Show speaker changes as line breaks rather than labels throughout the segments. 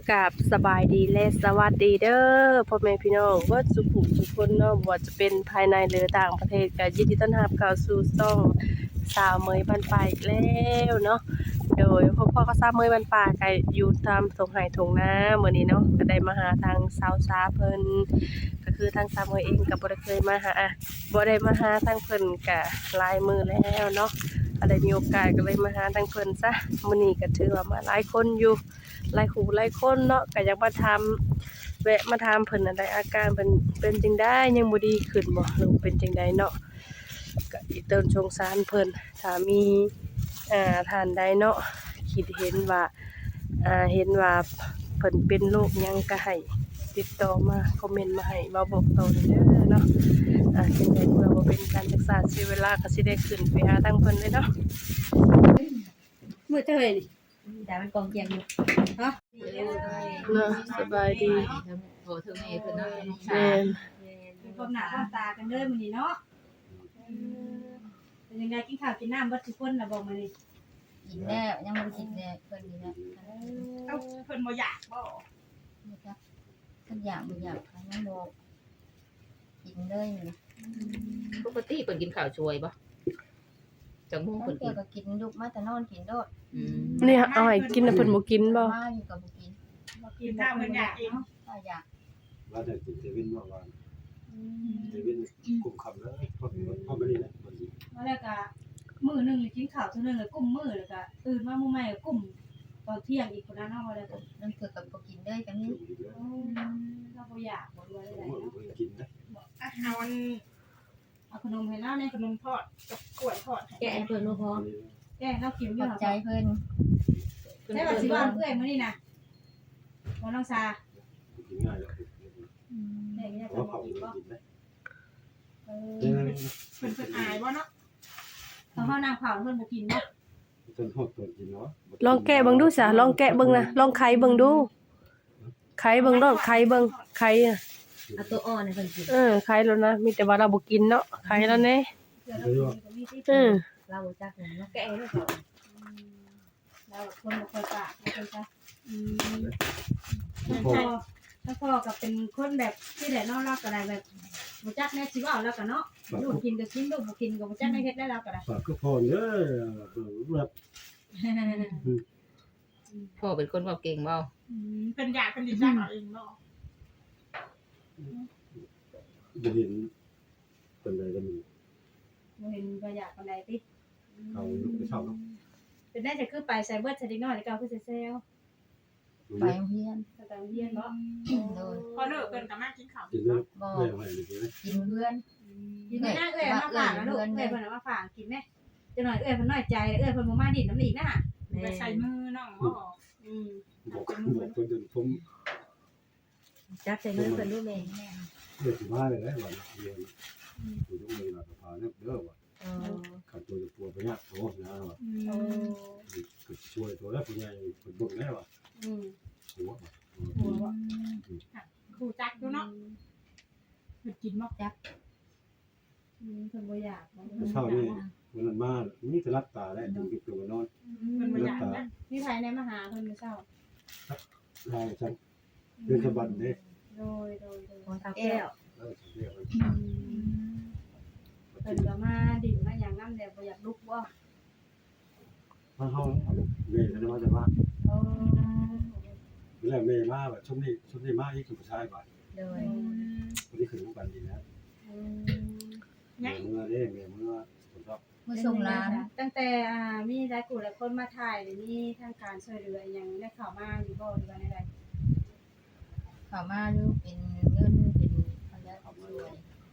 กับสบายดีและสวัสดีเด้อพ่อแม่พี่น้องว่าสุขุทุกคนเนาะบ่ว่าจะเป็นภายในหรือต่างประเทศก็ยินดีต้อนรับเข้าสู่ช่องสาวเมยบ้านป่าอีกแล้วเนาะโดยพ่อก็สาวเมยบ้านป่าก็อยู่ตามทงไร่ทงนามื้อนี้เนาะก็ได้มาหาทางสาวสาเพิ่นก็คือทางสาวเมยเองก็บ่ได้เคยมาหาบ่ได้มาหาทางเพิ่นก็หลายมื้อแล้วเนาะก็ได้มีโอกาสก็เลยมาหาทางเพิ่นซะมื้อนี้ก็ถือว่ามาหลายคนอยู่ หลายคู่หลายคนเนาะก็อยากมาแวะมาถามเพิ่นอะไรอาการเพิ่นเป็นจังได๋ยังบ่ดีขึ้นบ่หรือเป็นจังไดเนาะก็อีเติมสงสารเพิ่นถ้ามีท่านใดเนาะคิดเห็นว่าเห็นว่าเพิ่นเป็นโรคหยังก็ให้ติดต่อมาคอมเมนต์มาให้เว้าบอกต่อเด้อเนาะจังได๋เพื่อบ่เป็นการศึกษาเสียเวลาก็สิได้ขึ้นไปหาทางเพิ่นเลยเนาะ
มือเท่าไหร่นี่แต่มันกองเกียงอยู่ฮะ
เนาะสบายดี
โอ้ถึงนี่เพิ่นเนาะน้อง
แม่
สาวน
เป็นความหนาความตากันเด้อมื้อนี้เนาะเป็นยังไงกินข้าวกินน้ำเบิดทุกคนน่ะบอกมานี่
กินแล้วยังบ่ได้กินเลยเพิ่นนี่แหละ
เอ้าเพิ่นบ่อยากบ่
นี่จ้ะเพิ่นอยากบ่อยากทางนั้นบ่กินเลยนี่
ปกติเพิ่นกินข้าวช่วยบ่จังมุ่ง
เพิ่
เพิ่
น
น
เกี่
กิ
ยวน กับกินลูกมาแต่นอนกินโดด
อืม
นี่เอาให้กินแล้วเพิ่นบ่กินบ่
มาอยู่กับบ่กิน
กินข้าวเพิ่นอยากกิน
ถ้าอยาก
ว่าแต่ติดเทวินเมื่อวานเทวินกลุ่มขับแล้วพ่อไม่ได้นะบางที
มาแล้วก็มื้อหนึงนี่กินข้าวเท่านึงแล้วกุ้มมื้อแล้วก็ตื่นมามื้อใหม่ก็กุ้มตอนเที่ยงอีกคนนั้นเนาะว่าแล้วก็
นั่นคือกับบ่กินเลยกัน
เที่
นี่
ยวอยู่แล้ว
เราบ่อยากบ่ด้วยได้
เมื่อ
เนาะ
เพิ่งกินนะ
เอาอันเอาขนมให้เราในขนมทอดกับกล้วยทอดให้
แกะเพิ่นบ่พอ
แกเรากินอ
ข
ยู่
อบ
เหรอ
ใจเพิ่น
ได้ว่าสิว่าเพื่อนมื้อนี้น่ะบ่น้องซา
กินง่ายแล้ว
แม่เนี่ย
เพ
จะ
ราะ
บอ
เขา
กอีกว่า
กินนะ
เพิ่นอายบ่เนาะเขาเฮานางเผาเพิ่นบ่กินเนาะ
จนหดตัวกินเนาะ
ลองแกะเบิ่งดูซะลองแกะเบิ่งนะลองไขเบิ่งดูไขเบิ่งเนาะไขเบิ่งไขอะ
เอาตัวอ่อนให้เพิ่นกิน
ไขแล้วนะมีแต่ว่าเราบ่กินเนาะไขแล้วแน่
เพื่อเรากินก็มีที่
เราบ่จักหยังเนาะแกะให้เพิ่น
เราคนบ่ค่อยปากบ่ค่อยจ้ะ
พ่อ
แล้วพ่อก็เป็นคนแบบที่ได้นอนรับก็ได้แบบบ่จักแน่สิว่าแล้วก็เนาะลูกกินก็กินลูกบ่กินก็บ่จักได้เฮ็ดได้แล้วก็ได้
ฝากก็พอเด้อแบบ
พ่อเป็นคนเว้าเก่งบ่
เป็นอยากเป็นดิจักเอาเองเนาะ
จะเห็นเป็นอะไรกัน
บ่เห็นบ่อยากปานใดติ
เขาไม่ชอบเนาะ
เป็นได้จะคือไปใส่เบิดซะเด็กน้อยแล้วก็คือเซล
ไปโรงเรียน
สตางเรียนบ่
โดย
พอเลิกกันก็มากินข้าว
กินแล้ว
บ่
ไม่ไหวเลยนะ
กินเพื่อน
กินหน้าเอ้ยมาฝากนะลูกเอ้ยเพิ่นเอามาฝากกินแม่จังหน่อยเอ้ยเพิ่นน้อยใจเอ้ยเพิ่นบ่มาดินน้ำอีกนะ
ไปใส่มือน้องบ่
บอกคนจนทุ่ม
จักใส่มือเพิ่นดูแม่
เดือดมากเลยนะวันเรียนอยู่ตรงนี้นะพาเนี่ยเด้อว่ะ
เออ
ขัดตัวจะปัวไปเนี่ยโอ้นะว่ะ
โอ้
ก็ช่วยตัวแล้วผู้ใหญ่คนบุกแล้วว่ะหัว
หัวบ่
ครูจักอยู่เนาะเพิ่นกินบ่
เพิ่นบ่อยากบ่
เช้านี่วันนั้นมานี่จะรักตาได้ถึงกินตัวนอน
เพิ่นบ่อยากนะ
มีไผในมาหาเพิ่นมื้อเช้า
ได้ฉันเรื่องสบันเนี่ย
โดย
ของตาแก้ว
แล้วเรียก
เพิ่นก็มาดินมาหยังนำแล้วบ่อยากลุกบ่
มาห้องเมย์นะว่าจะว่า
โอ้
เวลาเมย์มาแบบช่วงนี้มาอีกคือผู้ชายบ่ะ
โดย
คนนี้คือผู้กันดีนะเมย์เมื่อเด้เมย์เมื่อผมชอบ
มือส่งร้าน
ตั้งแต่มีหลายกลุ่มหลายคนมาถ่ายหรือมีทางการช่วยเหลือหยังได้ข่าวมาอยู่บ่หรือว่าใด
เขามาดูเป็นเงินเป็นอะไรของรวย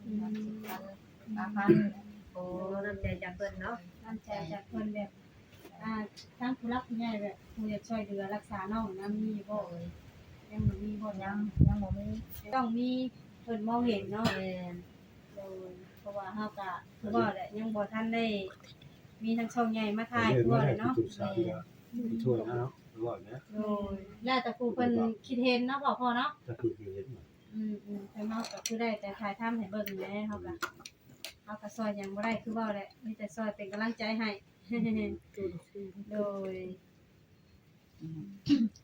10,000 5,000โอ้น้ำใจจากเพิ่นเนาะ
ๆน้ำใจจากเพิ่นแบบทางผู้รักผู้ใหญ่แบบผู้อยากช่วยเหลือรักษาน้องนํมีบ่
โอ้ย
ยังบ่มีบ่
ยั
ยัง ง
ยังบ่มี
ต้องมีเพิ่นมองเห็นเนาะ
แม่น
โดยเพราะว่าเฮาก็คือว่าแหละยังบ่ทันได้มีทั้งช่องใหญ่มาถ่ายคือว่าแหละเนาะ
จุดสามช่วยนะเนาะรู้ว่าเนี่ย
โดยแล้วแต่ผู้เพิ่นคิดเห็นเนาะบ่พอเนาะ
ถ้าคือเห็น
แต่เฮาก็คือได้แต่ถ่ายทำให้เบิ่งแหน่เฮาก็ซอยหยังบ่ได้คือว่าแหละมีแต่ซอยเป็นกำลังใจให้ โดย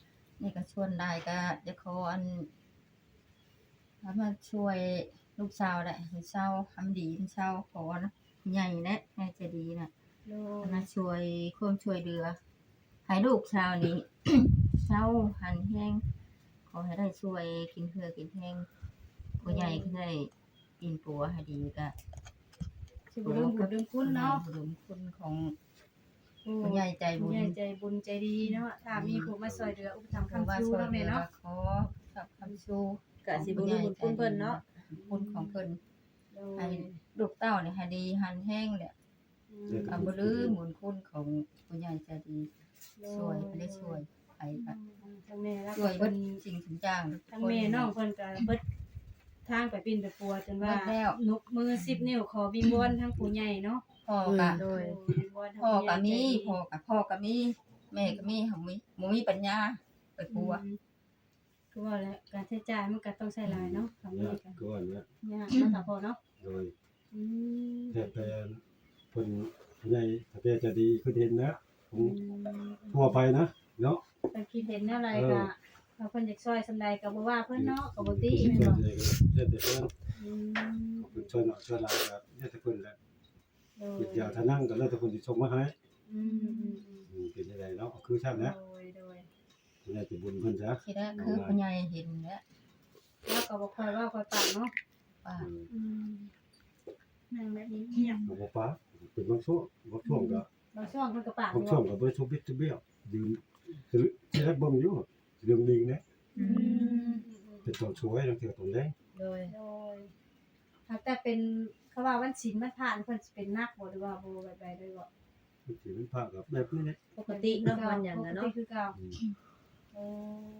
นี่ก็ชวนได้ก็จะขออันแล้วมาช่วยลูกสาวได้ลูกสาวทำดีลูกสาวขอนะใหญ่แนะใหญ่จะดีนะ
โดย
มาช่วยความช่วยเหลือให้ลูกชาวนี้ เศร้าหันแห้งขอให้ได้ช่วยกินเพื่อกินแห้งผู้ใหญ่ก็ได้กินปัวให้ดีก็
สิบ่ลืมบุญลืมคุณเนาะ
บุญคุณของผู้ใหญ่ใจบุ
ผู้
ญ
ใหญ่ใจบุญใจดีเนาะถ้ามีผู้มาช่วยเหลืออุปถัมภ์
คำว่า
คำชู
ช่วย
เนาะ
เห
แม่
ลือ
เนาะ
ขอกับคำชู
ก็สิบ่ลืมบุญคุณเพิ่นเนาะ
บุญของเพิ่น
โด
ให้
ย
ลูกเต้าเนี่ยให้ดีหันแห้งเนี่ยเอาบ่ลืมบุญคุณของผู้ใหญ่ใจดีช่วยให้ได้ช่วยใครก็
ทั้งแม่แล้ว
ช่
ก็
วยเบิ
เพิ่
ด
น
สิ่งทุกอย่างทุก
ทั้ง
คน
แม่น้องเพิ่นก็เบิดทางไปปิ่นไปปัวจนว่า
เบิดแล้ว
นกมือ10นิ้วขอวิงวอนทั้งผู้ใหญ่เนาะ
พ่อก็
โดย
วิงวอนทั้ง
พ่อ
ผู้ให
ก็
ญ่
มี
ใจดี
พ่อก็มีแม่ก็มีเฮามีบ่มีปัญญาไปปัว
คือว่าแหละการใช้จ่ายมันก็ต้องใช้หลายเนาะทำ
เนี่
นี่
ย
กัน
ก็อันเนี้ย
ยากเนาะถ้าพอเนาะ
โดย
อืม
แต่เพิ่นผู้ใหญ่ถ้าแกจะดีคือเห็นนะผมทั่วไปนะเนาะ
แต่คิดเห็นอะไรก็เขาเพิ่นอยากช่วยสำใดก็บ่ว่าเพิ่นเนาะก็บ่ติแม่น
ช่วย
บ่
เด็กเด็กเพิ่น
อืม
ช่วยเนาะช่วยหลายก็เนี่ยแต่เพิ่นแหละ
โดย
ปิดยาทานั่งก็แล้วแต่เพิ่นสิส่งมาให้
อืม
เป็นจังไดเนาะคือซั่นนะ
โดย
ผู้ใหญ่สิบุญเพิ่นจ้ะ
คิดว่าคือผู้ใหญ่เห็นแล้ว
แล้วก็บ่ค่อยเว้าค่อยปากเนาะ
ว่า
อืม
นั่งแบบนี้เงียบ
บ่ฟ้าเป็นบางช่วงก็
บางช่วงเพิ่นก็ปาก
บางช่วงก็บ่ชุบบิดชุบเบี้ยวยืนสิได้เบิ่งอยู่เรื่องลิงเนี่ย
อืม
เป็นตัวช่วยตั้งแต่ตรงแรก
โดย
โดยถ้าแต่เป็นเขาว่าวันศีลมันผ่านเพิ่นสิเป็นนักบ่หรือว่าบ่แบบใดเลยบ่
สิมันพากับแบบนี้เนี่ย
ปกติเนาะวันหยังน่ะ
ปก
เนาะ
ติคือเก่า
อืม
โอ้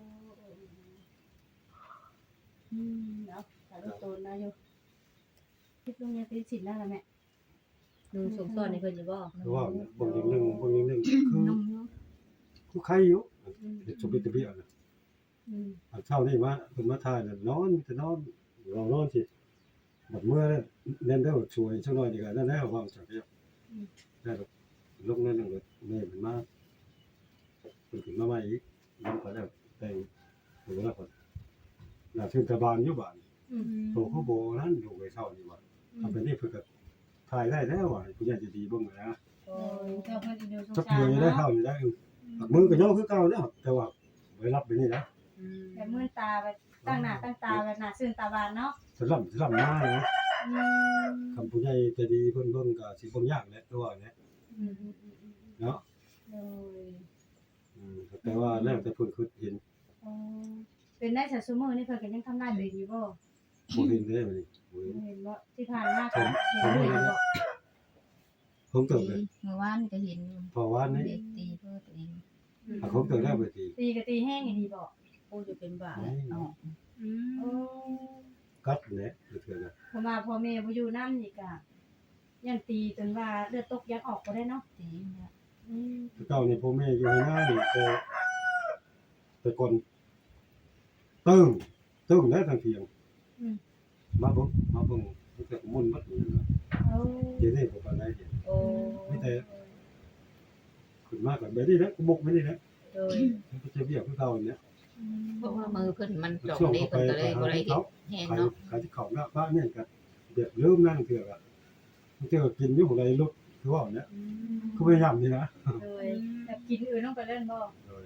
เนาะแต่ลูกโตนนะอยู่คิดลงเนี่ยตีสินแล้วล่ะแม่
นุ่งสงซ้อนให้เพิ่นอยู่บ่
เพราะว่าบางอย่างหนึงคือ
นุ่มเนาะ
คือใครอยู่เด็กชุบบิดเบี้ยวนะ อันเช้านี่มาเพิ่นมาถ่ายน่ะนอนจะนอนเรานอนสิบัดเมื่อเล่นได้บ่ช่วยสักหน่อยดีกว่านั่นแหละว่าจักเดียวได้ดอกลงนั่นนึงเลยแม่มันมาเพิ่นขึ้นมาใหม่อีกนำไปแล้วแต่งตัวละคนน่าชื่นตะบานอยู่บ้านโตเขาบ่นั่นอยู่ไว้เช้านี่ว่าทำไปนี่เพิ่นก็ถ่ายได้แล้วว่าผู้ใหญ่จะดีเบิ่งนะ
โอ้ยเจ้าเพิ่นอีดูสง
จัก
สา
เทื่อ
ร
ยังได้
เนาะ
เข้าอยู่ได้บักมือก็ย่อคือเก่าแล้วแต่ว่าไว้รับไปนี่นะ
แต่มื่นตาแบบตั้งหน้าตั้งตาแบบหน้าซื่นตาบานเนาะ
สลับมานะคำผู้ใหญ่จะดีเพิ่นเบิ่งก็สิบ่ยากแหละตัวเนี้ยเนาะ
โดย
แต่ว่าแล้วแต่เพิ่นคือเห็น
เป็นได้จากซุมื้อนี่เพิ่นก็ยังทำหน้าตัวเองอยู่บ่
บ่เห็นได้บัดนี้บ่เห็น
เห็นบ่ที่ผ่านมาก็เห็นอยู่บ่
ผมเกิดเลย
เมื่อวานก็เห็นอยู่
เพราะว่านี่
เด็กตีเพื่อตัวเอง
ผมเกิดได้บ่ที
ตีก็ตีแห้งอีดีบ่
ปูจะเป็นบ้า
เอา
โอ้
กัดแหละเถื่อนน่ะ
เพราะว่าพ่อแม่บ่อยู่นำนี่ก็ยังตีจนว่าเลือดตกยังออกบ่ได้เนาะ
ตีเนี่ย
เก่านี่พ่อแม่อยู่ให้หน้านี่แต่ก่อนตึ้งได้ทางเที่ยงมาเบิ่งตั้งแต่มุ่นบัดนี่นะ
โอ้
เดี๋ยวนี้บ่ปานใดเห็น
โอ้
มีแต่ขึ้นมาก็แบบนี้แหละก็บกไม่นี่แหละ
โดย
มันก็จะเบี้ยวคือเก่าเนี่ย
เพราะว่ามือเพิ่นมันจอง
ช่วง
เด้
เข้าไป
เพิ่นก็เลยบ่ได้เฮ็
เขา
ดแฮง
ใคร
เนาะ
ใครที่เขาหน้าบ้านเนี่ยก็แบบเริ่มนั่งเถื่ออ่ะมันเถื่อกินอยู่หัวไรลุกคือว่าเนี่ยคือพยายามนี่นะ
โดยแบบกินอื่นลงไปเล่นบ่
โดย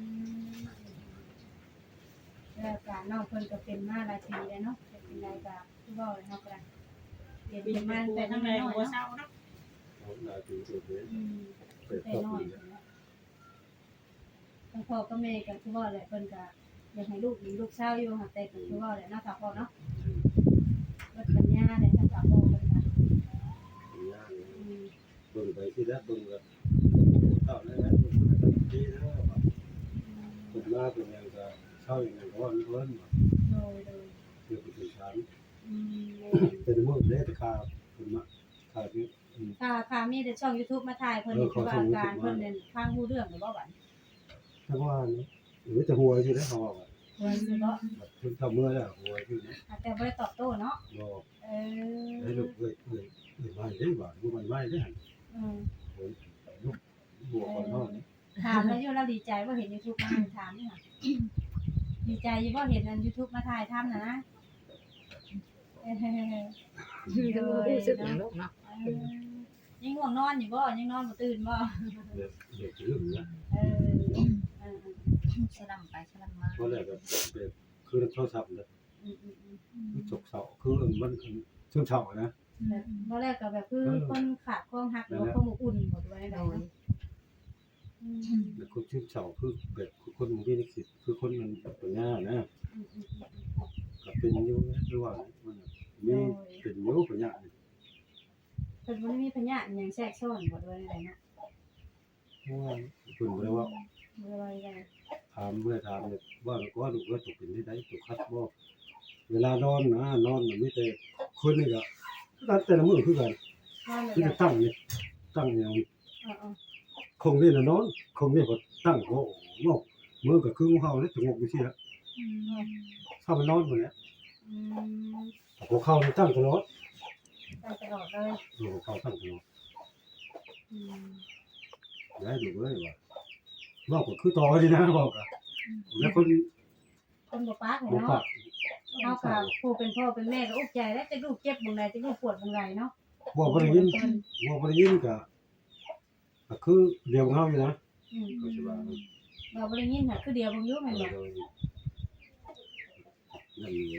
แล้วการน้องเพิ่นก็เป็นมาหลายปีแล้วเนาะเป็นไรก็คือบ่เฮาก็ได้เรียน
ปี
เป็น
มา
มา
แต่
แต่
ทั้
ทั้
ง
ง
ใน
น้อย
หัว
เนาะ
เศร้าเนาะ
เอาหน้าถึงสุดเลย
แต่
เป็นครอบ
น้อย
ครัว
ทั้งพ่อกับแม่ก็คือว่าแหละเพิ่นก็อยากให้ลูกมีลูกชายอยู่ค่ะแต่ก็คือว่าแหละเนาะค่ะพ่อเนาะเบิดปัญญาได้ทั้งสามพ่อเพิ่นน่ะ
เบิ่งไปที่แล้วเบิ่งแบบเต่าแล้วนะดีแล้วแบบคนมาเป็นยังก็เช่าอย่างก็ว่ามันเพิ่น
โดย
เพื่อเป็นชั้น
อืม
แต่ในเมื่อเละแต่ค่าคนมาค่าที่
ค่ะมีแต่ช่อง YouTube มาถ่ายเพิ่นนี่คือว่าการเพิ่นเนี่ยฟังรู้เรื่องหรือบ่บัด
ถ้าว่านี่หรือจะหัวที่ได้เขาบอก
ว่าสิบ่
เพิ่นทำเมื่อแล้วหัวที่นี่
แต่บ่ได้ตอบโต้เนาะ
บอก
เอ
ให้ลูกเอ้ยไม่ได้บ่าลูกไม่ได้หั่น
อ
ลูกบัวก่อนเนาะนี่
ถามแล้วอยู่เราดีใจว่าเห็น YouTube มาถามนี่ค่ะดีใจอยู่บ่เห็นอัน YouTube มาถ่ายทำน่ะนะ
รู้สึกอย่างลูกเนาะ
ยังง่วงนอนอยู่บ่ยังนอนบ่ตื่นบ่
เด็กลืมนะ
เออ
สลัมไปสลัมมา
เพราะแรกก็แบบคือโทรศัพท์เนี่ย คือจกเสาคือมันซึ่งเสานะ
บ่แรกก็แบบคือคนขาดความรักหรือว่าความอบอุ่นบ่ด้วย
โด
ได้
ย
แล้วคนซึ่งเสาคือแบบคือคนมีนิสิตคือคนมันปัญญานะก็เป็นอยู่นะหรือว่ามันมีเป็นอยู่ปัญญาเนี่ย
เพิ่นบ่ได้มีพยานหยังแทรกซ้อนบ่ด้วยได้เนาะ
เพราะว่าคุณบอกเลยว่า
บ่ว่าได้
ถามเมื่อถามเนี่ยว่าลูกว่าลูกว่าตกเป็นที่ใดตกคัดบ่เวลานอนนะนอนมันไม่แต่คนนี่ก็แต่ละมื้อคือกัน
นอนเลย
ที่จะตั้งนี่ตั้งอย่าง
เออ
คงนี่น่ะนอนคงนี่ก็ตั้งโอ้โหมือก็คือของเฮาเลยสงบอยู่ซี่ละถ้ามันนอนหมดแล้วหัวเข่านี่ตั้งตลอด
ได้ตลอดเลย
หัวเข่าตั้งตลอดได้ดูเลยว่าก็คือต่อดีนะบอกอ่ะแล้วคน
คนบ่ปาก
บ่
เนาะ
ปาก
เฮาก็ผู้เป็นพ่อเป็นแม่ก็อุกใจแล้วจะลูกเจ็บบ่งใดจะลูกปวดบ่งใดเนาะ
บ่บ่ได้ยินก็คือเดียวของเฮาอยู่นะก็สิว่า
เราบ่ได้ยินน่ะคือเดียวบ่อยู่แม่นบ่
นั่นนี่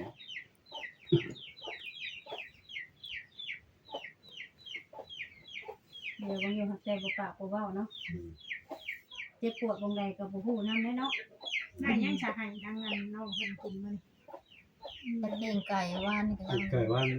เดียวบ่อยู่หักใจบ่ปากบ่เว้าเนาะเจ็บปวดบ่งใดก็บ่ฮู้นำแม่เนาะ
ได้ยังจะให้ทางนั้นน้องเพิ่นกินมื้อ
ตะเกียงไก่ว่านก็ยัง
ไก่ว่า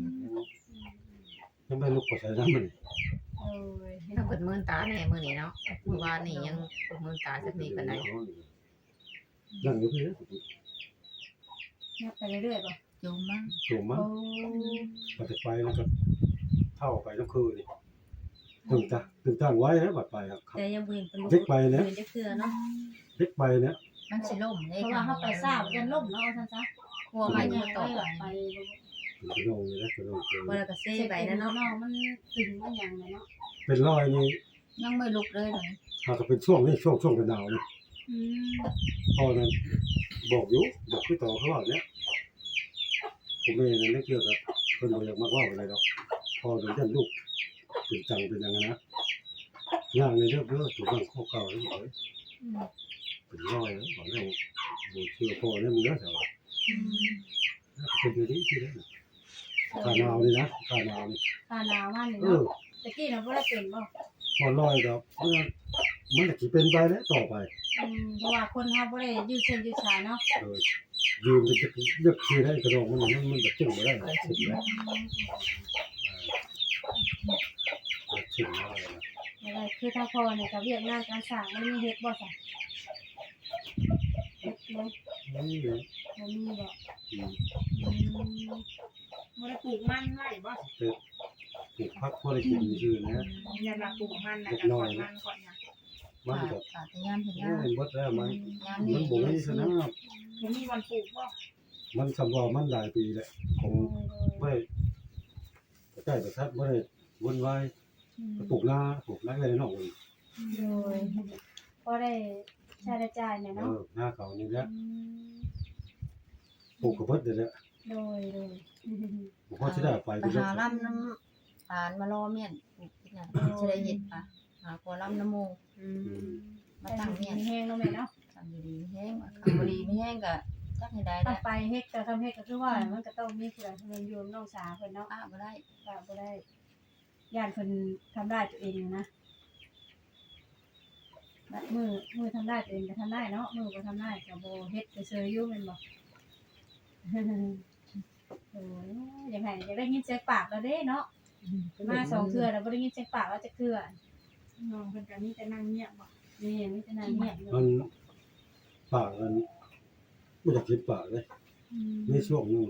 ยังไม่ลุกกว่าใส่น้ำมัน
โอ้ย
ถ้าเปิดมือตาแน่มือนี้เนาะเมื่อวานนี่ยังเปิดมือตาสักนิดปานใด
นั่งอยู่พี่
นับไปเรื่อยๆบ่
จูมมั้ง
ถูกมั้ง
โอ้
บัดไปแล้วก็เท่าไปทั้งคืนนี่ตึงตั้งไว้นะบัดไปครับ
แต่ยังบ่เห็นเป็นลูก
เล็กไปนะ
เห็นจักเทื่อเนาะ
เล็กไปเนี่ย
มันสิล่มเด้
เพราะว่าเฮาไปซ่ายันล่มเนาะเอาซั่นซะ
กลัวไม่
ยั
มาง ต่อ
ไป
ไป
ไป
กระโดงเลยนะกระโดง
บ่แล้วก็เซ่
เซ่
ไป
ไป
แล้
แล้ว ว
เนาะ
เนาะมันตึงมันหยังเลยเนาะ
เป็นรอยนี่
ยังไม่ลุกเลยตอนนี้
หากเป็นช่วงนี้ช่วงเป็นหนาวนี่พอนั้นบอกอยู่บอกคือต่อเขาว่าเนี่ยผมเองนั่นเกี่ยวกับคนบอกอยากมากว่าอะไรหรอกพอถึงจะลูกเป็นจังเป็นยังไงนะย่างในเรื่องถูกบ้างข้อเก่าแล้วบอกเป็นรอยบอกเรื่องบูเชื่อพ่อเนี่ยมันเยอะแต่ว่าเป็นอยู่ที่ที่นั่นขาหนาวนี่นะขาหนาวนี่
ตาหนาวมานี่
เอ
เนาะ
อ
ตะกี้น่ะบ่ได้เป็นบ่
พอลอยกับมันจะเป็นไปแล้วต่อไป
เพราะว่าคนเฮาบ่ได้ยืดเส้นยืดสายเนาะ
ยืนจะเลือกคือได้กระโดดมันแบบจึงไม่ได้ถึงแล้วถึงแล้ว
อะไรคือถ้าพอเนี่ยก็เวียกงานการสร้างมันมีเฮ็ดบ่ซะเฮ็ดบ่
นี่
บ่มีบ่
บ่ได้ปลูกมันไว้บ่
ปลูกพักพอได้กินชื่อนะ
อย่าละปลูกมันน่ะก็ก่อนมันก่อนน่ะ
มันก็
ตาตะยามเห็น
โอ้
ยาม
ยบดแล้วมัน
ยาม
มั
นี่
นบ่มีสนะ
บ่มีวันปลูกบ่
มันสำรองมันหลายปีแหละคงไม่ใกล้ประทัดไม่ได้วนวายปลูกนาอะไรนอกเลย
โดยพอได้ใช้ได้จ่ายเนี่ยเนาะ
หน้าเขานี่แหละปลูกกระเบิดเลย
โดย
พอจะได้ไป
ไปหาลำน้ำตาลมารอเมียนกินน่ะจะได้เห็ดปะหากัวลำน้ำมูมา
แต่
ตั้ง
สิ
เมียน
มีแห้งเนาะแม่เนาะ
ทำดีๆแห้งคำบดีไม่แห้งก็จักให้ได้
ต้อ
แล้
งไปเฮ็ดก็ทำเฮ็ดก็คือว่ามันก็ต้องมีผู้ใดผู้หนึงอยู่น้องสาวเพิ่นเนาะ
ป้าบ่ได้
ว่าบ่ได้ย่านเพิ่นทำได้ตัวเองนะบัดมือทำได้ตัวเองก็ทำได้เนาะมือบ่ทำได้ก็บ่เฮ็ดเฉยๆอยู่แม่นบ่ โอ้ยอยากได้ยินเสียงปากแล้วเด้เนาะมา2เทื่อแล้วบ่ได้ยินเสียงปากว่าจักเทื่อ
น้องเพิ่นก็มีแต่นั่งเงียบบ่
นี่มีแต่นั่งเงียบอยู่
มันปากมันไม่อยากกินปากเลยนี่ช่วงนึง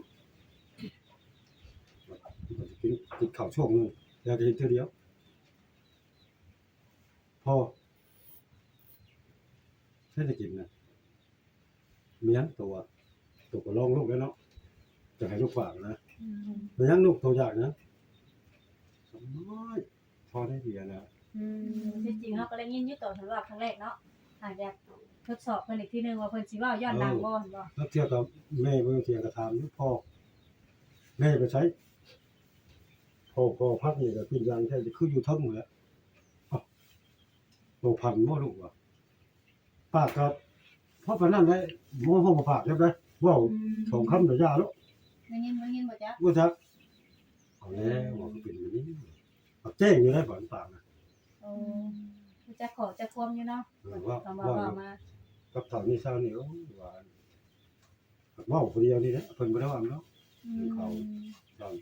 กินข้าวช่วงนึงอยากกินเท่าเดียวพอแค่จะกินนะเมียนตัวก็ลองลูกแล้วเนาะจะให้ลูกฝากนะไม่ยังลูกตัวอย่างนะสมน้อยพอได้เดียวนะ
ที่จริงเฮาก็ได้ยินอยู่ต่อสำหรับครั้งแรกเนาะหากอยากทดสอบเพิ่นอีกทีนึงว่าเพิ่นสิเว้าย้อนดังบ่เห็นบ่
แล้วเที่ยวกับแม่เบิ่งเที่ยงก็ถามอยู่พ่อแม่ไปใช้พ่อพักนี่ก็กินยางแท้คืออยู่เทิงหมดแล้วโตพันบ่ลูกว่าปากกับเพราะปานนั้นได้บ่ฮู้บ่ปากเรียบร้อยเว้าสองคำเดี๋ยวยาแล้ว
ได้ยินบ่จ๊ะ
บ่จักเอาแล้วว่าก็เป็นแบบนี้ปักแจ้งอยู่ได้บ่ปากนะ
โอ้รู้จักขอจักความอยู่เนาะ
ว่า
คำว่า
ว่า
เว้ามา
กับเฒ่านี่เช้านี่โอ้ว่าเว้าคนเดียวนี่แหละเพิ่นบ่ได้ว่าเนาะ เขา ดอน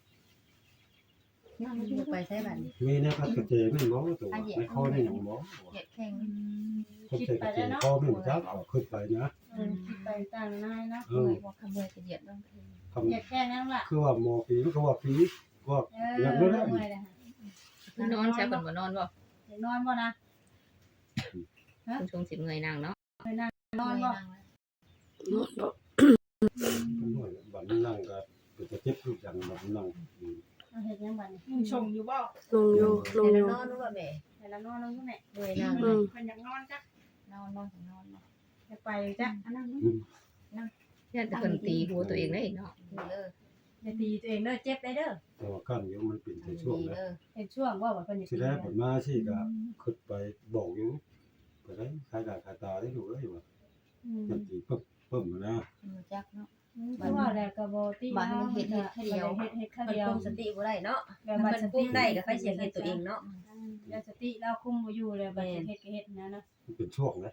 ไปใช้บัดนี้
มีแนวพัดกระเจแม่นบ่ตัวในคอนี่หยังบ่
เหยียดแข้ง
คน
คิด
ใส่
ไป
กระเจ
แล้วเนาะ
คอแม่นจักเอาขึ้นไปนะ
คิดไปต่างนายเนาะ
เอ
เมื่
อ
อยบ่คำเมื่อยจะเหยียดลงเพลง
คำ
เหยียดแค่นั้นล่ะ
คือว่าหมอผีมันก็ว่าผีว่า
เมื่อยเลยค่ะ
นอนใช่เพิ่นบ่นอนบ่
เดี๋ยวนอนบ่นะ
เพิ่นช่วงสิเมื่อยนั่งเนาะ
นอนบ่
บัดนี้นั่งก็จะเจ็บทุกอย่างบัดนี้นั่ง
เอาเฮ็ดยังบัดนี้
มึงชงอยู่บ่
ลงอยู่ลงอยู่
นอนรู้ว่าแม่
ให้เรานอนลงอยู่แม่
เมื่อยนั่ง
อืม
เพิ่นอยากนอนจ้ะ
นอนเนาะ
จะไปจ้ะอันนั้น
ญาติแต่เพิ่นตีหัวตัวเองได้เนาะ
ดีเด้อ
อย่าตีตัวเองเด้อเจ็บได้เด้อ
แต่ว่ากั้นอยู่มันเป็นในช่วง
ดี
นะ
เด้อ
เป็นช่วงว่าเพิ่นอยาก
สิ
ตี
แรกผลมาสิก็ขึ้นไปบอกอยู่ไปได้คายตาได้ดูเอ้ยว่ามันตีปึ๊บนะ
รู้จักเนาะ
คือว่าแล้วก็บ่ตี
บัดนี้เฮ็ดแค่เดียว
เฮ็ดแค่
มัน
เดียว
คุมสติบ่ได้เนาะ
แบบ
มั
ว่าน ส
คุ
ติ
มได้ก็ไฟเสียเฮ็ดตัวเองเนาะ
แล้วสติเราคุมบ่อยู่เลยบัดเฮ็ดก็เฮ็ดนะเนาะ
มันเป็นช่วงนะ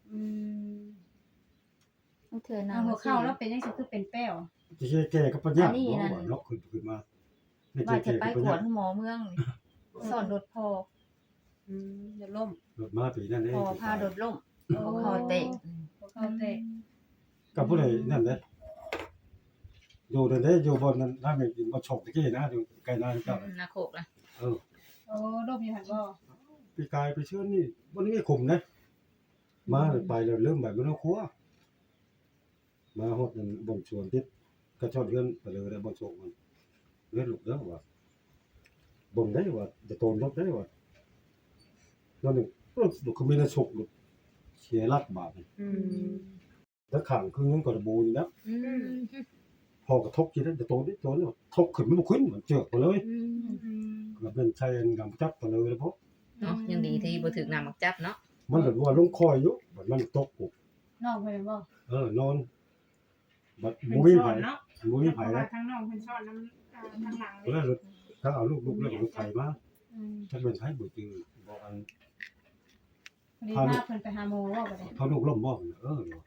เธอนา
เอา
ง
หัวเข้าแล้วเป็นจังซี่คือเป็นแป้ว
ที่แก่กับปัญญาบ่ว่าเนาะขึ้นมาไม่
ว่าจะ
แก่
ไป
กับปัญ
กว
ญา
ดหมอเมืองสอนรถพอ
เดี๋ยวล่ม
รถมาปีนั่นเอง
พอพารถล่มพอเขาเตะ
หัวเข้าเตะ
กับผู้ใดนั่นแหละอยู่นั่นเด้อยู่บนนั้นถ้าไม่กินบ่ฉกตะกี้นะอยู่ไกลนานเจ้า
นาโคกนะ
เออ
โอ้ลมอยู่หั่นบ่
ปีกายไปเชื่อนี่บ่ได้มีขุมนะมาไปแล้วเริ่มแบบมันครัวมาฮอดนั่นบ่งชวนติดกระชอนเรือนไปเลยได้บ่โชคมันเลือดลูกเด้อว่าบ่งได้ว่าจะโตนรถได้ว่านั่นนี่รถลูกก็มีนะฉกลูกเสียหลักบาทนี่แล้วขังคือเงินกระบูนี่นะพอกระทบกินแล้วจะโตได้โตนี่ทกขึ้นมันบ่ขึ้นมันเจือกไปเลยก็เป็นใช้งำจับไปเลยเพราะ
เนาะยังดีที่บ่ถึกน้ำมักจับเนาะ
มันเหมือนว่าลงคอยอยู่บัดมันตกปุ๊บ
น้องเพิ่นบ่
นอนบัด
เพิ่
บ่
น
มี
ซ่
ไผ
อนเนาะ
บ่มีไผ
เพราะว่า
นะ
ทางน้องเพิ่นซ่อนน้ำทางหลังเลย
แล้วรถถ้าเอาลูกแล้วก็รถไถมา
อืม
ถ้าเป็นไผบ่จือบ่อัน
พอดีมาเพิ่นไปหาหมอว่าบ่ได้
เขาลูกล้มบ่ก็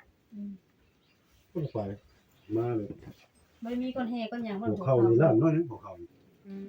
ไปมาเลย
บ่ได้มีคนเฮคนหยังบ่
หัวเข่านี่ล่างน้อยนึงหัวเข่านี่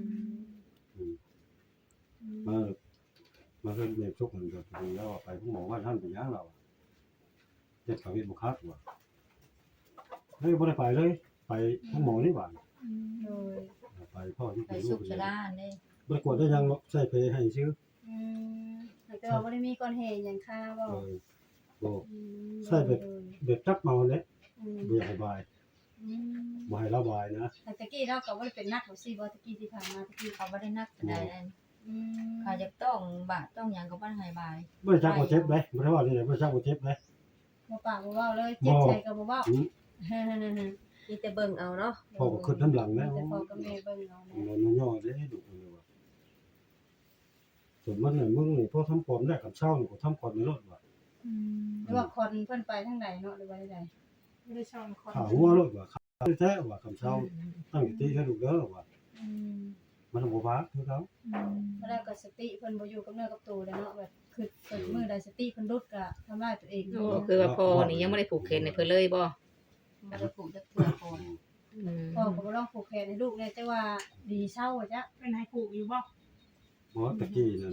มาเพิ่นแม่ชกมันก็ดีแล้วไปผู้หมอว่าท่านเป็นหยังเราเจ็บขาเวทบ่คักว่าเฮ้ยบ่ได้ไปเลย ไปผู้หมอนี่หว่า
โดย
ไปพ่อที่
ไป
เป็นลู
สุ
ก
ข
เล
ช
ย
ลาเนี่ย
บ่ได้กวดได้ยังใส่เพให้ชื่อ
แต่ว่าบ่ได้มีคนเฮหยังค่าบ่
บ่ใส่แบบจับเมาแหละ
อืม
บ่อยากให้บายบ่ให้ระบายนะ
แต่ตะกี้เราก็บ่ได้เป็นนักบ่ซี่บ่ตะกี้ที่ผ่านมาตะกี้
เขาไม่ได้นักใดเขาจะต้องบาทต้องอย่างกับบ้านไฮบาย
บ่ได้จักบ่เจ็บเด้บ่ได้ว่านี่บ่ได้จักบ่เจ็บเด้
บ่ปากบ่เว้าเลยเจ็บใจก็บ่เว้า
มีแต่เบิ่งเอาเนาะ
พ่อก็ขึ้นน้ำหลังแล้ว
แต่พ่อกับแม่เบิ่งเอานะ
มันย่อเด้ดุเลยว่าส่วนมันน่ะมึงนี่พอทำความได้กับเช้านี่ก็ทำความในรถว่า
หรือว่าคนเพิ่นไปทางใดเนาะหรือว่าใด
ไม่ได้ช่องคน
ข้าวหัวรถว่าข้าวแท้ว่ากับเช้าตั้งอยู่ที่ให้ลูกเด้อว่ามันบ่บาคือเขา
แล้วก็สติเพิ่นบ่อยู่กับเนื้อกับตัวแล้วเนาะแบบคือเปิดมือใดสติเพิ่นรุดก็ทำร้ายตัวเอง
โอ้คือว่าพ่อนี่ยังบ่ได้ผูกแขนให้เพิ่นเลยบ่
ไม่ได้ปลูกจะเถื่อคน
พ่อก็บ่ลองผูกแขนให้ลูกเลยแต่ว่าดีเศร้าจ้ะ
เป็นให้ผูกอยู่บ่
บ่ตะกี้นั่น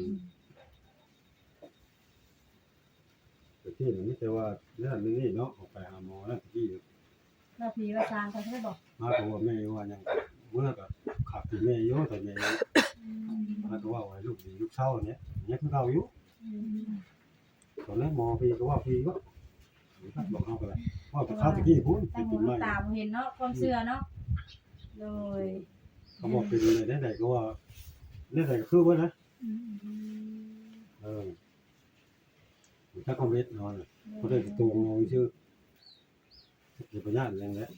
มีแต่ว่าเรื่องนี้เนาะออกไปหาหมอนั่นตะกี้
เราผีว่าสร้างเขาใช่บ่
มาก็ว่าแม่ว่าหยังเมื่อก็ขาดที่แม่อยู่แต่แม่มาก็ว่าไว้ลูกดีลูกเศร้าเนี่ยยังคือเก่าอยู่ตอนนั้นหมอพี่ก็ว่าพี่ก็บอกเฮาก็ได้ว่าแต่ข้าวตะกี้พุ่น
ตั้ง
กิน
หู
มา
ตาบ่เห็นเนาะความเชื่อเนาะโดย
เขาบอกเป็นอะไรได้ก็ว่าได้ก็คือว่านะถ้าคอมเมนต์นอนบ่ได้ตรงงชื่อสิบ่ยากอย่างนี้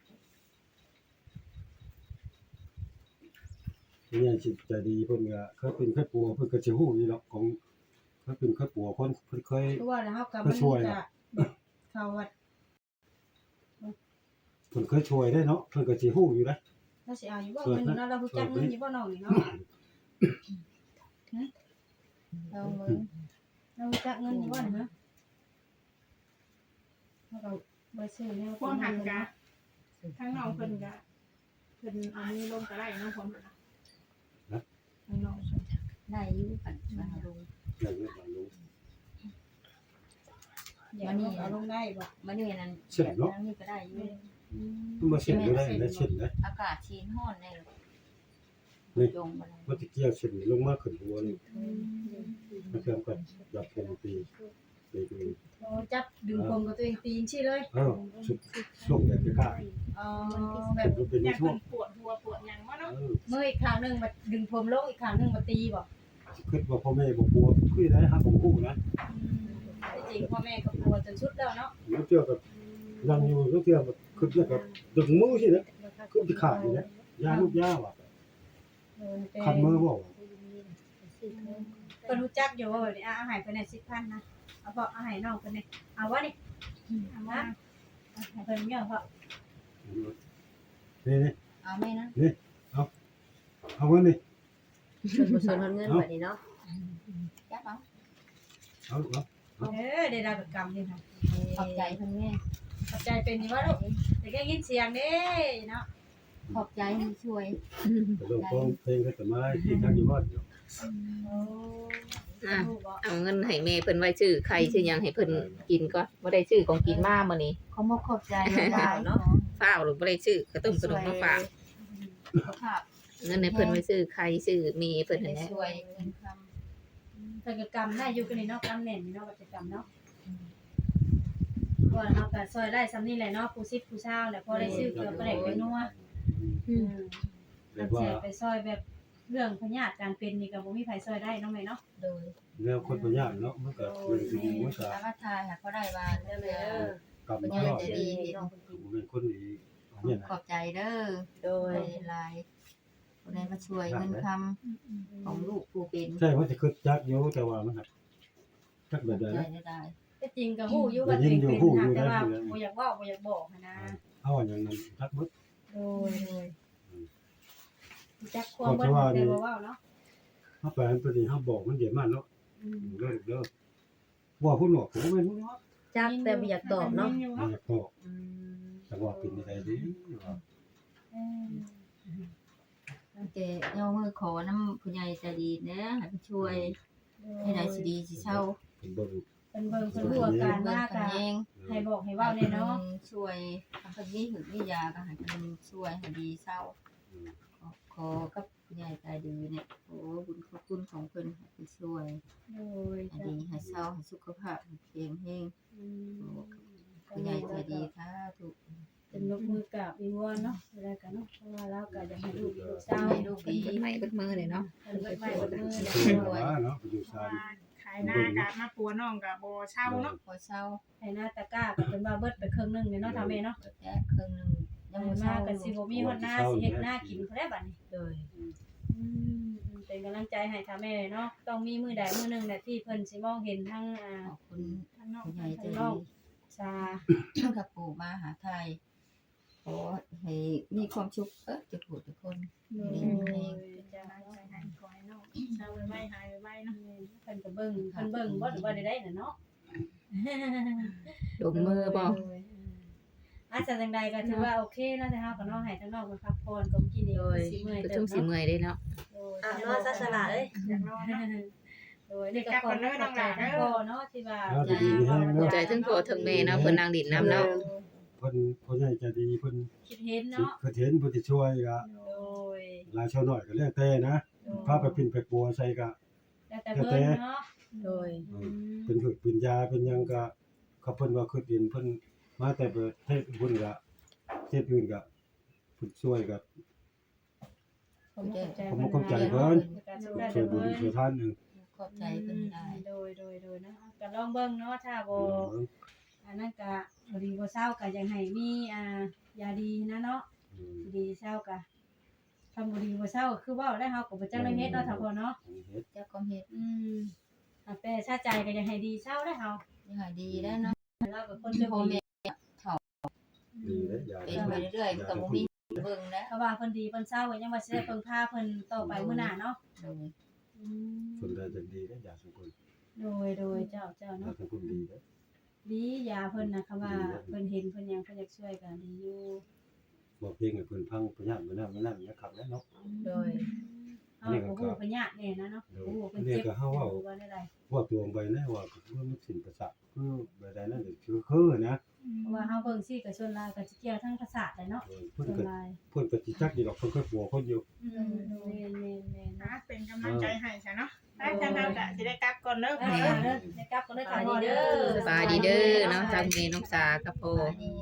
เนี่ยจิตใจดีเพิ่นก็เคยเป็นเคยปัวเพิ่นก็สิฮู้อยู่หรอกของเคยเป็นเคยปัวคนเพิ่นเคย
คือว่าแล้วเฮาก็มันก็เขาวัด
เพิ่นเคยช่วยได้เนาะเพิ่นก็สิฮู้อยู่นะ
เราสิเอาอยู่บ่เงินเนาะเรารู้จักเงินอยู่บ่น้องนี่เนาะ
เราเงิน
เรารู้จักเงินอยู่บ่เนาะเราก็บ่ซื้อแนว
ความหันกะทั้งน้องเพิ่นกะเพิ่นเอามือลงก็ได้เนาะความหันทั้งน้อง
ได้อยู่กันมาลง
อย่างนี้บ่รู้
อย่างนี้เอาลงได้บ่
มานี่นั่นนี่ก็ได้อยู่
มันบ่เช็ดอยู่ได้ได้เช็ดได้
อากาศชื้นร้อนได้หรอ
นี่
ลงมาเลย
มันสิเกี่ยวเช็ดนี่ลงมาขึ้นหัวนี่มันเชื่อมกันดับผมตีตี
โอ้จับดึงผมกับตัวเองตีนชี้เลย
ชุดช่วงแบบจะกล้า
อ๋อ
แบ
แบบ บ
เป็น
อยาก
ช่ว
เพิ่
ง
นปวดหัวปวดหยังบ่เนาะ
มืออีกข้างนึงมาดึงผมลงอีกข้างนึงมาตีบ่
คิดว่าพ่อแม่บ่กลัวคือได้หาผมฮู้นะ
จริงพ่อแม่ก็กลัวจนสุดแล้วเนาะ
แล้วเชื่อกับยังอยู่แล้วเชื่อกับคือเชื่อกับดึงมือสินะคือสิขาดอยู่นะยาลูกยาว่ะคันมือบ่
ก็รู้จักอยู่ว่าแบบนี้อาหารเพิ่นน่ะ10,000นะเอาเพราะอาหารน้องเพิ่นนี่เอาวะนี่เอาวะให้เพิ่นเยอะเพราะ
นี่
เอาไหมนะ
เอาเงินนี่
ส่วนบ่ส่วนเงินบัดนี้เนาะ
จับเอา
เอา
ได้รับกรรมนี่ค่ะ
ขอบใจเพิ่นแม่
ขอบใจเป็นนี่ว่าลูกแต่แค่ยินเสียงเด้เนาะ
ขอบใจที่ช่วย
แต่ลงฟ้องเพลงก็จะมาที่ทางอยู่บ้านอยู่
โอ้
อ่ะ
ลูกบ่
เอาเงินให้แม่เพิ่นไว้ชื่อใครชื่อหยังให้เพิ่นกินก่อนบ่ได้ชื่อของกินมามื้อนี้
ขอมขอบใจหลายเนาะ
ฟ้าวหรือบ่ได้ชื่อก็ต้มขนมมาฝาก
สุขภาพ
เงินให้เพิ่นไว้ชื่อใครชื่อมีเพิ่นนั่นแหละ
ช่วยเงินค
เพิ่นก็กรรมได้อยู่กันนี่เนาะกรรมแน่นนี่เนาะกิจกรรมเนาะว่าเฮาก็ซอยได้ซำนี้แหละเนาะผู้ซิบผู้เช้าแหละพอได้ซื้อเกลือปลาแดกไปนัว
เรี
อั
ย
น
กว่า
แจกไปซอยแบบเรื่องพยาธิการเป็นนี่ก็บ่มีไผซอยได้เนาะแม่เนาะ
ำโดย
แนวคนปัญญาเนาะมันก็เรื่องที่มันก็
สามารถทายหาเขาได้ว่าเด้อก
รรม
เป็น
มา
ยัง
รอด
จะดี
เป็นคนดีเนี่ยนะ
ขอบใจเด้อ
โดย
หลายคนได้มาช่วยเงินคำของลูกผู้เป็น
ใช่ว่าจะคึกยักอยู่แต่ว่ามันจักแบบ
ใจ
ใดนะ
ได้
แต่จริงก็ฮู้อยู่ว่าตัวเองเป็นค่ะแต่ว่าบ่อยากเว้าบ่อยากบอกหันนะ
เอาอย่างนั้นจักบึด
โดยจักความบ่ได้บ่เว้าเนาะ
เฮาไปอันปฏิเฮาบอกมันเดี๋ยวมันเนาะเด้อว่าผู้หนอกผมก็ไม่รู้เนาะ
จักแต่บ่อยากตอบเนาะ
มันอยากตอบ
อืม
แต่ว่าเป็นยังไงดี
แต่เอามือขอน้ำผู้ใหญ่ใจดีนะให้ช่วยให้ได้สิดีสิเช่า
เป็นเบิ่ง
เพิ่นเบิ่งเพิ่นรู้อาการ
เบิ่ง
ว่า
กั
ก็
นเอง
ให้บอกให้เว้าแน่เนาะ
ช่วยทำคนนี้หึงนี่ยาก็ให้คนช่วยให้ดีเศร้าขอกับผู้ใหญ่ใจดีเนี่ยโอ้บุญขอบคุณของเพิ่นให้เพิ่นช่วย
โดย
ให้ดีให้เศร้าให้สุขภาพให้แข็งแรงผู้ใหญ่ใจดีค่ะทุก
เป็นยกมือกราบวิงวอนเนาะเวลากันเนาะเพราะว่าเราก็อยากให้ลูกลูกสาว
ให้ลูก
เพิ่น
ดี
เบิดไม้เบิดมือเลยเนาะ
เพิ่นเบิดไม้เบิดมือ
เป็นว่าเนาะอยู่ชา
ว่าขายหน้ากะมาปัวน้องกะบ่เช่าเนาะ
พอเศร้า
ให้หน้าตะกร้าก็เป็นว่าเบิดไปครึ่งนึงเนี่ยเนาะทำแม่เนาะ
แค่ครึ่งนึงยัง
ให้
บ่เศ
มา
ร้า
ก็สิบ่มีฮอดหน้าสิเฮ็ดหน้ากินเขาได้บัดนี้
โดย
เป็นกำลังใจให้ทำแม่เนาะต้องมีมือใดมือหนึงแหละที่เพิ่นสิมองเห็นทั้ง
ขอบคุณ
ทั้งน้อง
ผู้ใหญ่ใจ
น้
ดี
องชา
กับปู่มาหาไทยขอให้มีความสุขจะพูดทุกคน
โดย
จะให้ให้ขอให้น้องเช่าไว้หายไว้เนาะ
เพิ่นก็เบิ่งบ่หรือว่าได้น่ะเนาะ
ดมมือบ่
อาจจะจังใดก็ถือว่าโอเคแล้วแต่เฮาก็น้องให้ทั้งน้องมันพักผ่อนก็กินนี่สิเมื่อย
ก็
เติ
ต้อง
บ
สิ
เนาะ
เมื่อยได้เนาะ
อ่ะนอนซะสละเอ้ย
อยากนอนเนาะ
โดยนี่ก็ขอขอบใจทั้งพ่อเนาะที่ว่า
เข้าใจทั้งพ่อทั้งแม่เนาะเพิ่นนางดินน้ำเนาะ
เพิ่นผู้ใหญ่ใจดีเพิ่น
คิดเห็นเนาะ
คือเห็นเพิ่นสิช่วยก็
โดย
หลายชาวน้อยก็แล้วแต่นะพาไปปิ่นไปปัวใส่ก็
แล้วแต่เพิ่นเนาะ
โดย
เป็นฝึกเป็นยาเป็นหยังก็เขาเพิ่นว่าคือดินเพิ่นมาแต่ประเทศพุ่นก็ประเทศอื่นก็เพิ่นช่วยก็
ผมเข้าใจ
ผมเข้าใจเพิ่นช่วยบุญช่วยทานนึง
ขอบใจเพิ่นได้
โดยนะก็ลองเบิ่งเนาะถ้าบ่อันนั้นก็บ่ดีบ่เศร้าก็ยังให้มียาดีนะเนาะดีเศร้าก็ทำบ่ดีบ่เศร้าคือเว้าได้เฮาก็บ่จักได้เฮ็ดเนาะถ้าพอเนาะ
เจ้าความเฮ็ด
ถ้าแปรชาใจก็ยังให้ดีเศร้าได้เฮา
ยังหาดีแล้วเนาะ
เราก็คนจะ
พ่อ
ดี
แม่เฒ่า
ดีแล้วยา
เป็นไปเรื่อยๆมันก็บ่มีเบิ่งนะ
เขาว่าเพิ่นดีเพิ่นเศร้าก็ยังว่าสิได้เพิ่งพาเพิ่นต่อไปมื้อหน้าเนาะ
คนใดจะดีแล้วยาสมควร
โดยเจ้า
ยา
เนาะ
สมควรดีแล้ว
ดียาเพิ่นน่ะคำว่าเพิ่นเห็นเพิ่นหยังเพิ่นอยากช่วยกันดีอยู่
บอกเพลงให้เพิ่นพังพญามื้อนั้นนะครับแล้วเนาะ
โดย
เฮาก็ฮู้พญาติแน่นะเนาะฮู้เพิ่นเจ็บว่าได้
ว่าตัวไปแน่ว่าคือมันสินประสาทคือแบบใดนั่นคือนะ
เพราะว่าเฮาเบิ่งสิก็ชนลายก็สิเกี่ยวทั้งประสาทเลยเนาะ
เพิ่น
ชน
ก็
ลาย
เพิ่นก็สิจักอยู่ดอกเพิ่นเคยปัวคนอยู่
แม่น
นะเป็นกำลังใจให้ซะเนาะถ้าจะเฮาก็สิได้กลับก่อนเด้อ
ๆได้กลับก็ได้ค่ะพ่อเด้อ
สบายดีเด้อเนาะทางเมน้องสากับพ่อ
ดี